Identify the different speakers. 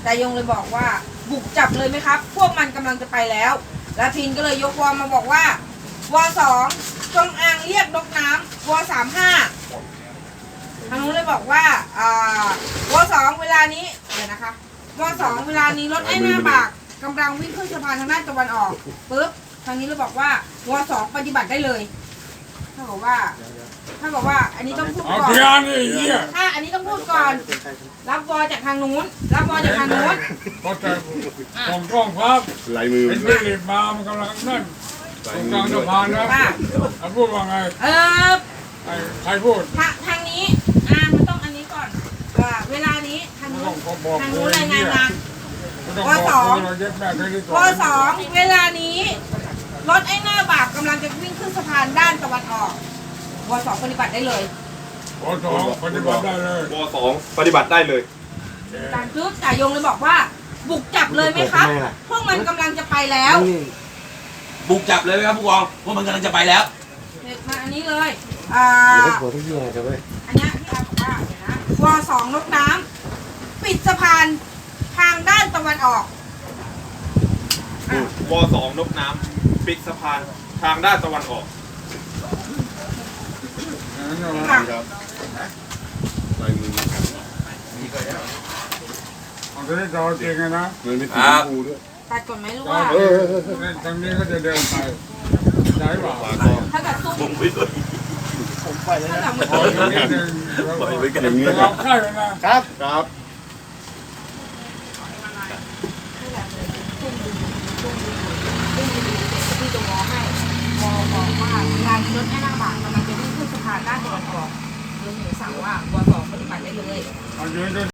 Speaker 1: แต่ยงเลยบอกว่าบุกจับเลยไหมครับ พวกมันกำลังจะไปแล้วแล้วพินก็เลยยกวอมาบอกว่าวอ2จงอางเรียกนกน้ำวอ35ทางนู้นเลยบอกว่าวอ2เวลานี้เดี๋ยวนะคะวอ2เวลานี้รถไอ้หน้าบากกำลังวิ่งขึ้นสะพานทางด้านตะวันออกปุ๊บทางนี้เลยบอกว่าวอ2ปฏิบัติได้เลยถ้าบอกว่าอันนี้ต้องพูดก่อนถ้าอันนี้ต้องพูดก่อนรับวอจากทางนู้นรับวอจากทางนู้น
Speaker 2: ก็แต่ของกล้องครับ
Speaker 3: ลายมือ
Speaker 2: เป็นที่รีบมามันกำลังนั่นตรงกลางสะพานนะแล้วพูดว่าไงใครพูด
Speaker 1: ทางนี้มันต้องอันนี้ก่อนเวลานี้ทางนู้นรายงานมาวอ2เวลานี้รถไอ้หน้าบากกำลังจะวิ่งขึ้นสะพานด้านตะวันออกว2ปฏิบัติได้เลยว
Speaker 2: 2ปฏิบัติได้เลยว
Speaker 3: 2ปฏิบัติได้เลย
Speaker 1: การจุ๊บจ่ายงเลยบอกว่าบุกจับเลยไหมครับพวกมันกำลังจะไปแล้ว
Speaker 4: บุกจับเลยไหมครับผู้กองพวกมันกำลังจะไปแล้ว
Speaker 1: มาอันนี้เลย
Speaker 3: อันนี้พี่อา
Speaker 1: บอกว่าเดี๋ยวนะว2นกน้ำปิดสะพานทางด้านตะวันออก
Speaker 3: ว2นกน้ำปิดสะพานทางด้านตะวันออก
Speaker 2: ครับลายมือเอาจะได้จอจริงนะ
Speaker 3: มันไม่ติดหูด้วย
Speaker 1: ตัดก่อนไหมรู้ว่า
Speaker 2: ทางนี้ก็จะเดินไปใช่ป่ะ
Speaker 1: ถ้าเกิดสู้
Speaker 4: ผมไปด้วยผมไปแล้วนะ
Speaker 2: ปล่อยไปกันอย่างนี้เราใช่ไหมนะครับ
Speaker 3: ครับ
Speaker 1: ที่จะมอให้มอบอกว่าเวลามีรถแค่หน้าบากกำลังจะวิ่งขึ้นสะพานด้านตะวันออกเลยสั่งว่าว2ปฏิบัติได้เลย